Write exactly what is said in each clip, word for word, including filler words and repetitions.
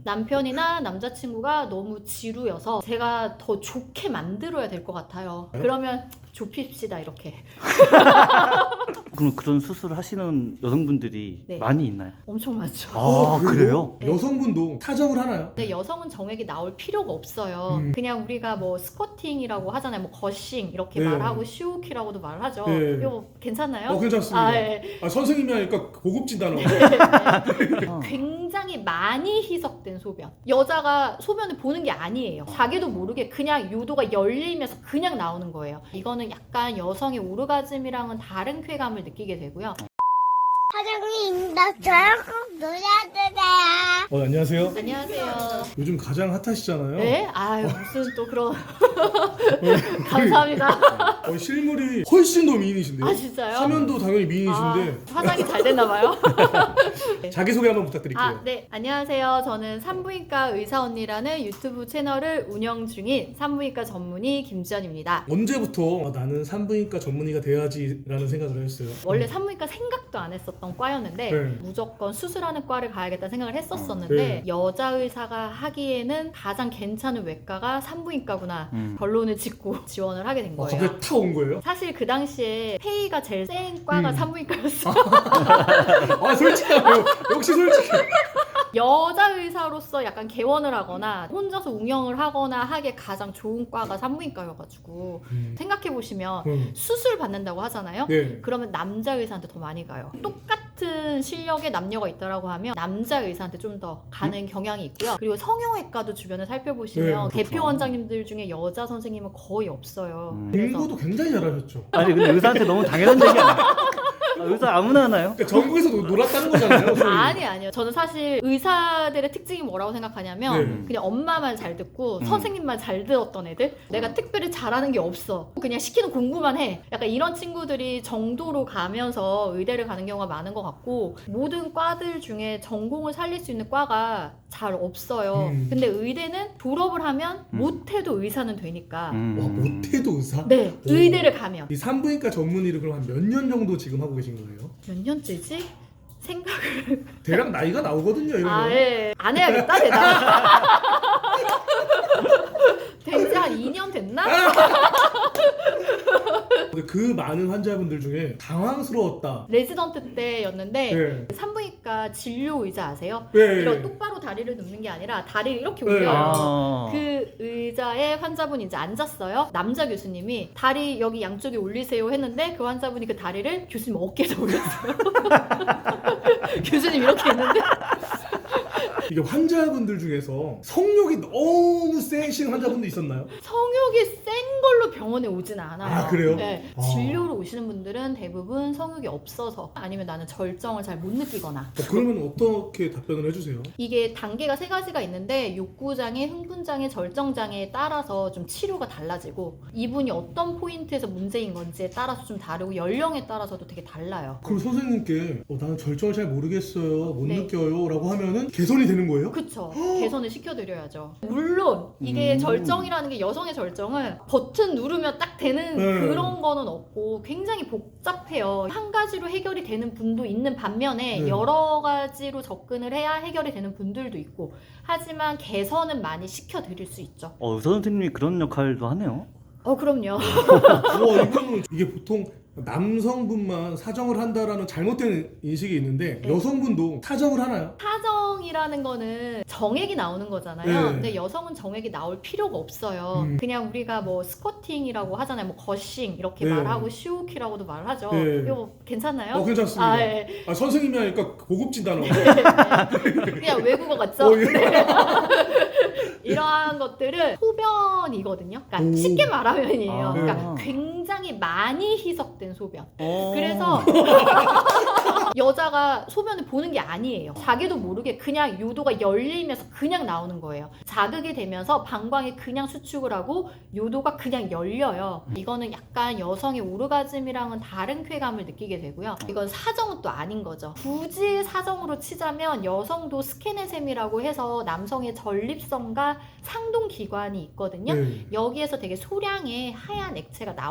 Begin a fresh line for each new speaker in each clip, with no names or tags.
남편이나 남자친구가 너무 지루여서 제가 더 좋게 만들어야 될 것 같아요. 그러면 좁힙시다 이렇게.
그럼 그런 수술을 하시는 여성분들이
네.
많이 있나요?
엄청 많죠.
아,
그리고
그래요?
네.
여성분도 타정을 하나요?
근데 여성은 정액이 나올 필요가 없어요.
음.
그냥 우리가 뭐 스쿼팅이라고 하잖아요. 뭐 거싱 이렇게
네.
말하고 시오키라고도 말하죠.
네.
이거 괜찮나요?
어, 괜찮습니다.
아, 네.
아, 선생님이 하니까 고급진 단어.
어.
굉장히 많이 희석된 소변. 여자가 소변을 보는 게 아니에요. 자기도 모르게 그냥 요도가 열리면서 그냥 나오는 거예요. 이거는 약간 여성의 오르가즘이랑은 다른 쾌감을 느끼게 되고요.
사장님, 나 저랑 꼭 놀아주세요.
어, 안녕하세요.
안녕하세요.
요즘 가장 핫하시잖아요.
네? 아유 무슨 또 그런 감사합니다.
어, 실물이 훨씬 더 미인이신데요.
아 진짜요?
화면도 당연히 미인이신데
아, 화장이 잘 됐나 봐요.
자기소개 한번 부탁드릴게요.
아, 네. 안녕하세요. 저는 산부인과 의사 언니라는 유튜브 채널을 운영 중인 산부인과 전문의 김지연입니다.
언제부터 아, 나는 산부인과 전문의가 돼야지라는 생각을 하셨어요?
원래 산부인과 생각도 안 했었던 과였는데
네.
무조건 수술하는 과를 가야겠다 생각을 했었었는데
네.
여자 의사가 하기에는 가장 괜찮은 외과가 산부인과구나
음.
결론을 짓고 지원을 하게 된
아,
거예요.
갑자기 타 온 거예요?
사실 그 당시에 페이가 제일 센 과가
음.
산부인과였어요.
아, 솔직하네요. 역시 솔직해.
여자 의사로서 약간 개원을 하거나 혼자서 운영을 하거나 하기에 가장 좋은 과가 산부인과여가지고
음.
생각해보시면
음.
수술 받는다고 하잖아요.
네.
그러면 남자 의사한테 더 많이 가요. 똑같은 실력의 남녀가 있다라고 하면 남자 의사한테 좀 더 가는 경향이 있고요. 그리고 성형외과도 주변에 살펴보시면
네,
대표 원장님들 중에 여자 선생님은 거의 없어요.
음.
그래서
공부도 굉장히 잘하셨죠.
아니 근데 의사한테 너무 당연한 얘기 아니에요? 아, 의사 아무나 하나요?
그러니까 전국에서 노- 놀았다는 거잖아요. 소위.
아니 아니요. 저는 사실 의사들의 특징이 뭐라고 생각하냐면
네.
그냥 엄마 말 잘 듣고
음.
선생님 말 잘 들었던 애들. 내가 특별히 잘하는 게 없어. 그냥 시키는 공부만 해. 약간 이런 친구들이 정도로 가면서 의대를 가는 경우가 많은 것 같고 모든 과들 중에 전공을 살릴 수 있는 과가 잘 없어요.
음.
근데 의대는 졸업을 하면
음.
못해도 의사는 되니까.
음.
와, 못해도 의사?
네,
오.
의대를 가면
이 산부인과 전문의를 그럼 한 몇 년 정도 지금 하고 계신 거예요?
몇 년째지? 생각
대략 나이가 나오거든요, 이러면.
아, 예. 안 해야겠다, 대단. 된지 한 이 년 됐나?
근데 그 많은 환자분들 중에 당황스러웠다.
레지던트 때였는데
네.
산부인과 진료 의자 아세요?
네.
이런 똑바로 다리를 눕는 게 아니라 다리를 이렇게
네.
올려요.
아.
그 의자에 환자분이 이제 앉았어요. 남자 교수님이 다리 여기 양쪽에 올리세요 했는데 그 환자분이 그 다리를 교수님 어깨에다 올렸어요. 교수님 이렇게 했는데
이게 환자분들 중에서 성욕이 너무 세신 환자분도 있었나요?
성욕이 센 걸로 병원에 오진 않아요.
아, 그래요?
네.
아.
진료로 오시는 분들은 대부분 성욕이 없어서 아니면 나는 절정을 잘 못 느끼거나
어, 그러면 어떻게 답변을 해주세요?
이게 단계가 세 가지가 있는데 욕구장애, 흥분장애, 절정장애에 따라서 좀 치료가 달라지고 이분이 어떤 포인트에서 문제인 건지에 따라서 좀 다르고 연령에 따라서도 되게 달라요.
그럼 선생님께 어, 나는 절정을 잘 모르겠어요, 못
네.
느껴요 라고 하면은 개선이 되는 거예요?
그쵸. 개선을 시켜드려야죠. 물론 이게
음.
절정이라는 게 여성의 절정은 버튼 누르면 딱 되는
네.
그런 거는 없고 굉장히 복잡해요. 한 가지로 해결이 되는 분도 있는 반면에
네.
여러 가지로 접근을 해야 해결이 되는 분들도 있고 하지만 개선은 많이 시켜드릴 수 있죠.
어, 의사 선생님이 그런 역할도 하네요.
어 그럼요.
우와, 이거는 이게 보통 남성분만 사정을 한다라는 잘못된 인식이 있는데
네.
여성분도 사정을 하나요?
사정이라는 거는 정액이 나오는 거잖아요.
네.
근데 여성은 정액이 나올 필요가 없어요.
음.
그냥 우리가 뭐 스쿼팅이라고 하잖아요. 뭐 거싱 이렇게
네.
말하고 시오키라고도 말하죠.
네.
이거 괜찮나요?
어, 괜찮습니다.
아, 예.
아, 선생님이 하니까 고급진 단어.
그냥 외국어 같죠?
어, 예.
네. 이러한 것들은 소변이거든요. 그러니까
오.
쉽게 말하면이에요.
아.
그러니까 굉장히 많이 희석된 소변.
어.
그래서 여자가 소변을 보는 게 아니에요. 자기도 모르게 그냥 요도가 열리면서 그냥 나오는 거예요. 자극이 되면서 방광이 그냥 수축을 하고 요도가 그냥 열려요. 이거는 약간 여성의 오르가즘이랑은 다른 쾌감을 느끼게 되고요. 이건 사정은 또 아닌 거죠. 굳이 사정으로 치자면 여성도 스케네셈이라고 해서 남성의 전립선과 상동 기관이 있거든요.
네.
여기에서 되게 소량의 하얀 액체가 나올 수는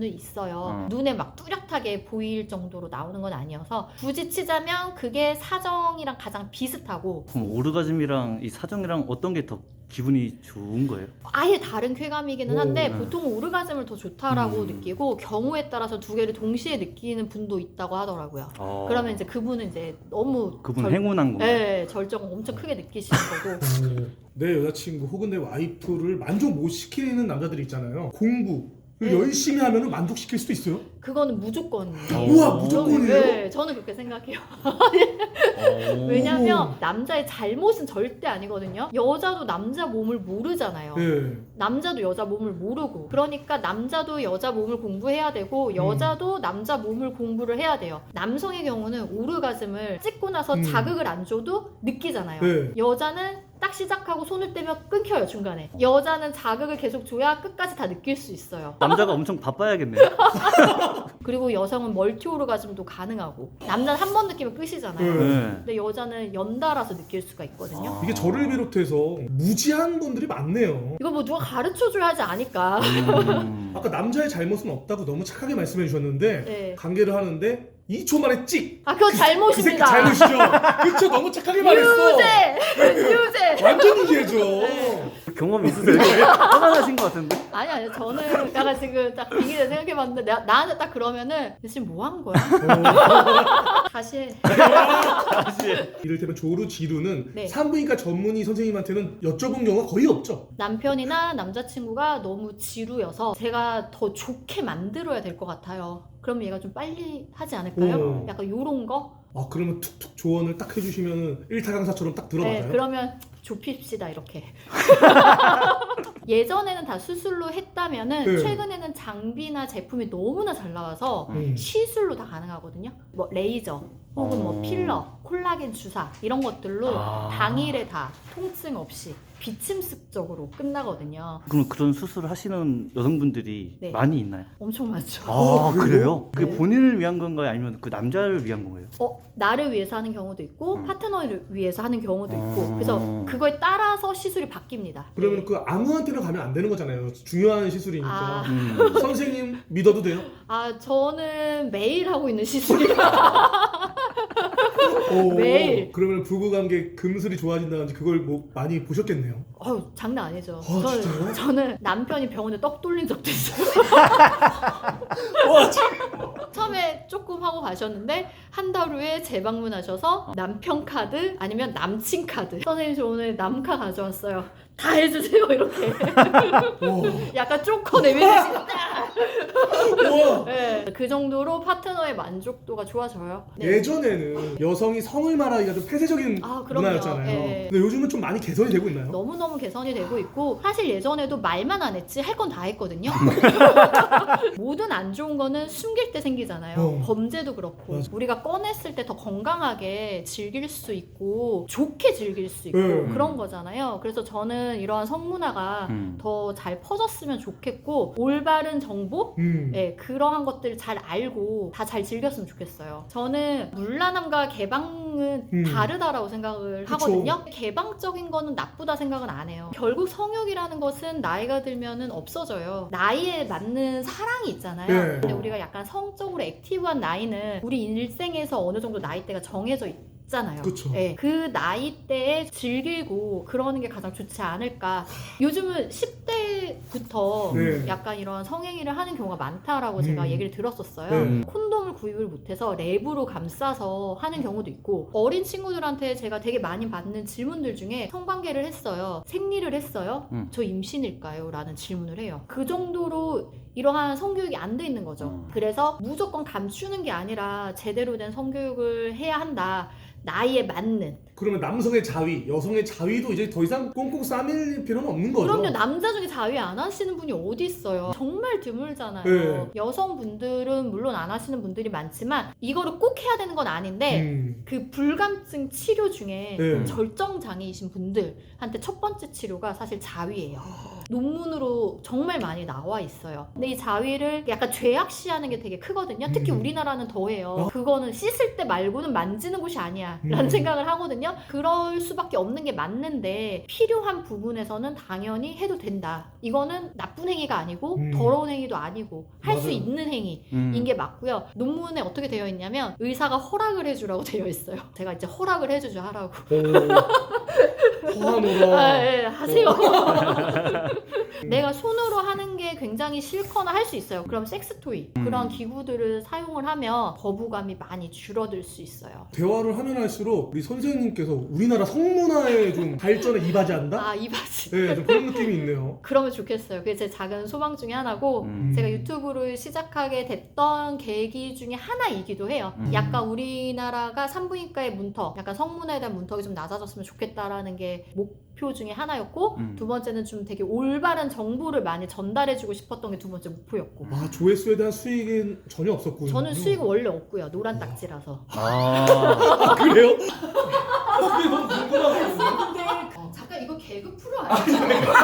수는 있어요.
어.
눈에 막 뚜렷하게 보일 정도로 나오는 건 아니어서 굳이 치자면 그게 사정이랑 가장 비슷하고
그럼 오르가즘이랑 이 사정이랑 어떤 게 더 기분이 좋은 거예요?
아예 다른 쾌감이기는 한데
오, 네.
보통 오르가즘을 더 좋다라고
음.
느끼고 경우에 따라서 두 개를 동시에 느끼는 분도 있다고 하더라고요.
어.
그러면 이제 그분은 이제 너무
그분
절-
행운한 건가요?
네, 절정을 엄청 크게 느끼시는 거고
어, 내 여자친구 혹은 내 와이프를 만족 못 시키는 남자들이 있잖아요. 공부를
네.
열심히 하면 만족시킬 수도 있어요.
그거는 무조건이에요.
어.
우와, 무조건이에요?
네, 저는 그렇게 생각해요.
어.
왜냐면 남자의 잘못은 절대 아니거든요. 여자도 남자 몸을 모르잖아요.
네.
남자도 여자 몸을 모르고 그러니까 남자도 여자 몸을 공부해야 되고 여자도 남자 몸을 공부를 해야 돼요. 남성의 경우는 오르가즘을 찍고 나서
음.
자극을 안 줘도 느끼잖아요.
네.
여자는 딱 시작하고 손을 떼면 끊겨요, 중간에. 여자는 자극을 계속 줘야 끝까지 다 느낄 수 있어요.
남자가 엄청 바빠야겠네요.
그리고 여성은 멀티 오르가즘도 가능하고 남자는 한 번 느끼면 끝이잖아요.
네.
네.
근데 여자는 연달아서 느낄 수가 있거든요.
아.
이게 저를 비롯해서 무지한 분들이 많네요.
이거 뭐 누가 가르쳐줘야 하지 않을까.
음.
아까 남자의 잘못은 없다고 너무 착하게 말씀해 주셨는데
네.
관계를 하는데 이 초 만에 찍!
아, 그거
그 새끼
잘못입니다.
잘못이죠? 그쵸? 너무 착하게 말했어!
유죄! 유죄!
완전 유죄죠!
네.
경험 있으세요? 화나신 것 같은데?
아니, 아니, 저는 약간 지금 딱 비기를 생각해봤는데, 내가, 나한테 딱 그러면은, 지금 뭐 한 거야?
어.
다시 해.
다시.
이를테면 조루지루는
네.
산부인과 전문의 선생님한테는 여쭤본 경우가 거의 없죠.
남편이나 남자친구가 너무 지루여서 제가 더 좋게 만들어야 될 것 같아요. 그럼 얘가 좀 빨리 하지 않을까요?
오.
약간 요런 거?
아 그러면 툭툭 조언을 딱 해주시면 일타강사처럼 딱 들어가요.
네, 그러면 좁힙시다 이렇게. 예전에는 다 수술로 했다면은
네.
최근에는 장비나 제품이 너무나 잘 나와서
음.
시술로 다 가능하거든요. 뭐 레이저 혹은 뭐
어.
필러, 콜라겐 주사 이런 것들로
아.
당일에 다 통증 없이 비침습적으로 끝나거든요.
그럼 그런 수술을 하시는 여성분들이
네.
많이 있나요?
엄청 많죠.
아,
어, 그래요?
그래요? 그게
네.
본인을 위한 건가요? 아니면 그 남자를 위한 건가요?
어, 나를 위해서 하는 경우도 있고
음.
파트너를 위해서 하는 경우도 있고
어.
그래서 그거에 따라서 시술이 바뀝니다.
그러면
네.
그 아무한테나 가면 안 되는 거잖아요. 중요한 시술이니까.
아.
음.
선생님 믿어도 돼요?
아, 저는 매일 하고 있는 시술이라
오,
매일.
그러면 부부관계 금슬이 좋아진다든지 그걸 뭐 많이 보셨겠네요.
어우, 장난 아니죠.
아, 진짜요?
저는, 저는 남편이 병원에 떡 돌린 적도 있어요.
와, 참.
처음에 조금 하고 가셨는데 한 달 후에 재방문하셔서 남편 카드 아니면 남친 카드 선생님 저 오늘 남카 가져왔어요. 다 해주세요 이렇게
와,
약간 쪼커 내밀으시다.
와.
네, 그 정도로 파트너의 만족도가 좋아져요. 네.
예전에는 여성이 성을 말하기가 좀 폐쇄적인
아, 그럼요.
문화였잖아요.
예.
근데 요즘은 좀 많이 개선이 되고 있나요?
너무너무 개선이 되고 있고 사실 예전에도 말만 안 했지 할 건 다 했거든요. 모든 안 좋은 거는 숨길 때 생기잖아요.
어.
범죄도 그렇고
맞아.
우리가 꺼냈을 때 더 건강하게 즐길 수 있고 좋게 즐길 수 있고
음.
그런 거잖아요. 그래서 저는 이러한 성문화가
음.
더 잘 퍼졌으면 좋겠고 올바른 정보
음.
네, 그러한 것들을 잘 알고 다 잘 즐겼으면 좋겠어요. 저는 물란함과 개방은
음.
다르다라고 생각을
그쵸.
하거든요. 개방적인 거는 나쁘다 생각은 안 해요. 결국 성욕이라는 것은 나이가 들면은 없어져요. 나이에 맞는 사랑이 있잖아요.
네.
근데 우리가 약간 성적으로 액티브한 나이는 우리 일생에서 어느 정도 나이대가 정해져 있 잖아요.
그쵸.
네, 그 나이대에 즐기고 그러는 게 가장 좋지 않을까. 요즘은 십 대부터
네.
약간 이런 성행위를 하는 경우가 많다라고 제가
음.
얘기를 들었었어요.
네.
콘돔을 구입을 못해서 랩으로 감싸서 하는 경우도 있고 어린 친구들한테 제가 되게 많이 받는 질문들 중에 성관계를 했어요. 생리를 했어요.
음.
저 임신일까요? 라는 질문을 해요. 그 정도로 이러한 성교육이 안 돼 있는 거죠.
음.
그래서 무조건 감추는 게 아니라 제대로 된 성교육을 해야 한다. 나이에 맞는.
그러면 남성의 자위, 여성의 자위도 이제 더 이상 꽁꽁 싸밀 필요는 없는 거죠.
그럼요. 남자 중에 자위 안 하시는 분이 어디 있어요. 정말 드물잖아요.
네.
여성분들은 물론 안 하시는 분들이 많지만 이거를 꼭 해야 되는 건 아닌데
음.
그 불감증 치료 중에
네.
절정 장애이신 분들한테 첫 번째 치료가 사실 자위예요. 논문으로 정말 많이 나와 있어요. 근데 이 자위를 약간 죄악시하는 게 되게 크거든요. 특히
음.
우리나라는 더해요.
어?
그거는 씻을 때 말고는 만지는 곳이 아니야 라는
음.
생각을 하거든요. 있거든요. 그럴 수밖에 없는 게 맞는데 필요한 부분에서는 당연히 해도 된다. 이거는 나쁜 행위가 아니고
음.
더러운 행위도 아니고 할 수
맞아요.
있는 행위인
음.
게 맞고요. 논문에 어떻게 되어 있냐면 의사가 허락을 해주라고 되어 있어요. 제가 이제 허락을 해주죠 하라고.
허하노라.
아, 예, 하세요. 내가 손으로 하는 게 굉장히 싫거나 할 수 있어요. 그럼 섹스토이
음.
그런 기구들을 사용을 하면 거부감이 많이 줄어들 수 있어요.
대화를 하면 할수록 우리 선생님께서 우리나라 성문화의 좀 발전에 이바지한다?
아, 이 바지.
네, 좀 그런 느낌이 있네요.
그러면 좋겠어요. 그게 제 작은 소망 중에 하나고
음.
제가 유튜브를 시작하게 됐던 계기 중에 하나이기도 해요.
음.
약간 우리나라가 산부인과의 문턱, 약간 성문화에 대한 문턱이 좀 낮아졌으면 좋겠다라는 게 목표 중에 하나였고
음.
두 번째는 좀 되게 올바른 정보를 많이 전달해주고 싶었던 게 두 번째 목표였고
아, 조회수에 대한 수익은 전혀 없었군요.
저는 수익은 원래 없고요. 노란 딱지라서.
아.
아, 그래요? 그게 너무 궁금하거든요.
어, 잠깐 이거 개그 프로 아니죠?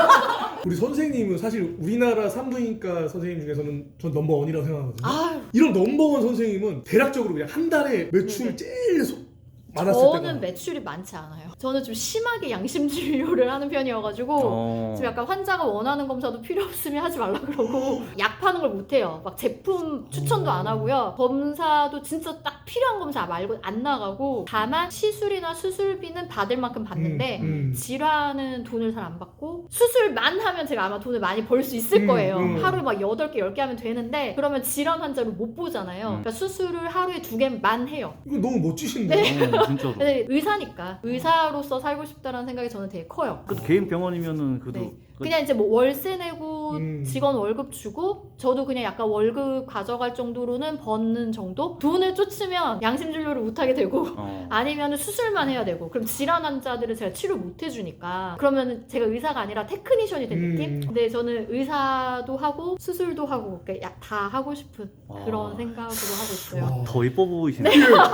우리 선생님은 사실 우리나라 산부인과 선생님 중에서는 전 넘버원이라고 생각하거든요.
아유,
이런 넘버원 선생님은 대략적으로 그냥 한 달에 매출
네네.
제일 소- 많았을
저는
때가
매출이 많지 않아요. 저는 좀 심하게 양심 진료를 하는 편이어가지고
어.
지금 약간 환자가 원하는 검사도 필요 없으면 하지 말라 그러고 약 파는 걸 못해요. 막 제품 추천도 안 하고요. 검사도 진짜 딱 필요한 검사 말고 안 나가고 다만 시술이나 수술비는 받을 만큼 받는데
음, 음.
질환은 돈을 잘 안 받고 수술만 하면 제가 아마 돈을 많이 벌 수 있을
음,
거예요.
음.
하루에 막 여덟 개, 열 개 하면 되는데 그러면 질환 환자를 못 보잖아요.
음.
그러니까 수술을 하루에 두 개만 해요.
이거 너무 멋지신데요?
어, 진짜로.
근데 의사니까 의사로서 살고 싶다라는 생각이 저는 되게 커요.
그래도 개인 병원이면은 그래도
네.
그-
그냥 이제 뭐 월세 내고
음.
직원 월급 주고 저도 그냥 약간 월급 가져갈 정도로는 버는 정도? 돈을 쫓으면 양심 진료를 못 하게 되고
어.
아니면 수술만 해야 되고 그럼 질환 환자들을 제가 치료 못 해주니까 그러면 제가 의사가 아니라 테크니션이 된
음.
느낌? 근데 저는 의사도 하고 수술도 하고 그러니까 야- 다 하고 싶은
와.
그런 생각으로 하고 있어요.
와.
더 이뻐 보이시네.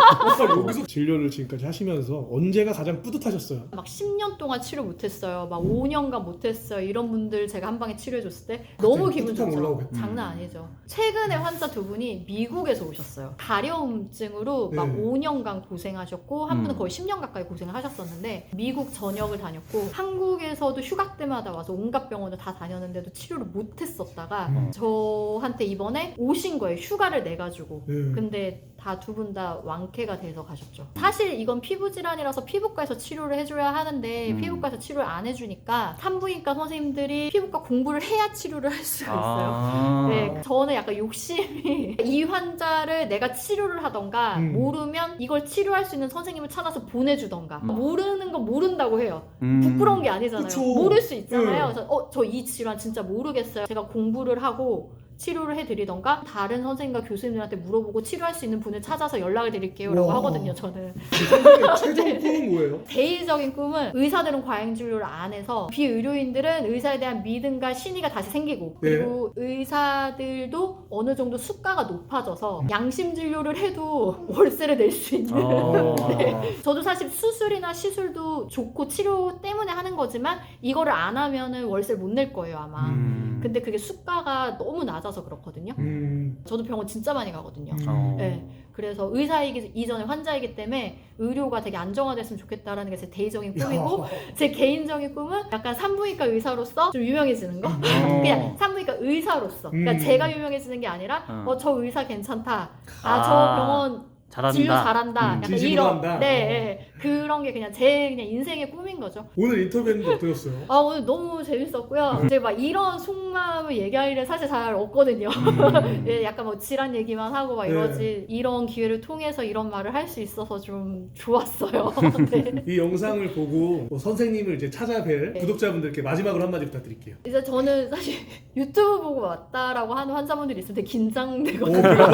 아까 여기서 진료를 지금까지 하시면서 언제가 가장 뿌듯하셨어요?
막 십 년 동안 치료 못했어요. 막 오 년간 못했어요. 이런 분들 제가 한 방에 치료해줬을 때 너무 기분
뿌듯함
좋죠.
올라오겠다.
장난 아니죠. 최근에 환자 두 분이 미국에서 오셨어요. 가려움증으로 막
네.
오 년간 고생하셨고 한 분은
음.
거의 십 년 가까이 고생을 하셨었는데 미국 전역을 다녔고 한국에서도 휴가 때마다 와서 온갖 병원을 다 다녔는데도 치료를 못했었다가
음.
저한테 이번에 오신 거예요. 휴가를 내가지고.
네.
근데 다 두 분 다 완쾌가 돼서 가셨죠. 사실 이건 피부 질환이라서 피부과에서 치료를 해줘야 하는데
음.
피부과에서 치료를 안 해주니까 산부인과 선생님들이 피부과 공부를 해야 치료를 할 수가 있어요.
아.
네, 저는 약간 욕심이 이 환자를 내가 치료를 하던가
음.
모르면 이걸 치료할 수 있는 선생님을 찾아서 보내주던가
음.
모르는 건 모른다고 해요.
음.
부끄러운 게 아니잖아요.
그쵸.
모를 수 있잖아요.
네.
그래서 어, 저 이 질환 진짜 모르겠어요. 제가 공부를 하고 치료를 해드리던가 다른 선생님과 교수님들한테 물어보고 치료할 수 있는 분을 찾아서 연락을 드릴게요 라고
와.
하거든요. 저는
선생님의 최종 꿈은 뭐예요?
개인적인 꿈은 의사들은 과잉진료를 안 해서 비의료인들은 의사에 대한 믿음과 신의가 다시 생기고
네.
그리고 의사들도 어느 정도 수가가 높아져서 양심진료를 해도 월세를 낼 수 있는
어.
네. 저도 사실 수술이나 시술도 좋고 치료 때문에 하는 거지만 이거를 안 하면은 월세를 못 낼 거예요 아마.
음.
근데 그게 수가가 너무 낮아서 그렇거든요.
음.
저도 병원 진짜 많이 가거든요.
음.
어.
네. 그래서 의사이기 이전에 환자이기 때문에 의료가 되게 안정화됐으면 좋겠다라는 게 제 대의적인 꿈이고
야.
제 개인적인 꿈은 약간 산부인과 의사로서 좀 유명해지는 거.
어.
그냥 산부인과 의사로서. 그러니까
음.
제가 유명해지는 게 아니라
어.
어 저 의사 괜찮다. 아 저
아.
병원
잘한다.
진료 잘한다.
음.
약간
진심으로
이런.
한다.
네, 네. 그런 게 그냥 제 그냥 인생의 꿈인 거죠.
오늘 인터뷰했는데 어떠셨어요?
아 오늘 너무 재밌었고요. 이제 막 이런 속마음을 얘기할 일은 사실 잘 없거든요.
음.
예, 약간 뭐 질환 얘기만 하고 막
네.
이러지 이런 기회를 통해서 이런 말을 할 수 있어서 좀 좋았어요. 네.
이 영상을 보고 뭐 선생님을 이제 찾아뵐
네.
구독자분들께 마지막으로 한마디 부탁드릴게요.
이제 저는 사실 유튜브 보고 왔다라고 하는 환자분들이 있으면 되게
오,
긴장되거든요.
그래요?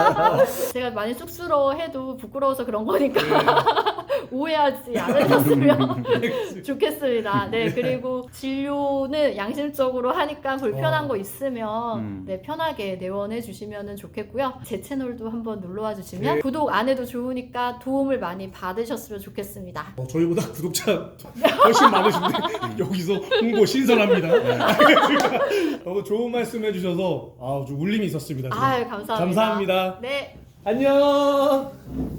제가 많이 쑥스러워해도 부끄러워서 그런 거니까
네.
오해하지 않으셨으면 좋겠습니다. 네, 그리고 진료는 양심적으로 하니까 불편한
어.
거 있으면
음.
네, 편하게 내원해 주시면 좋겠고요. 제 채널도 한번 놀러와 주시면
네.
구독 안 해도 좋으니까 도움을 많이 받으셨으면 좋겠습니다.
어, 저희보다 구독자 훨씬 많으신데 여기서 홍보 신선합니다. 너무 좋은 말씀 해주셔서 아, 좀 울림이 있었습니다. 지금.
아유, 감사합니다.
감사합니다.
네.
안녕.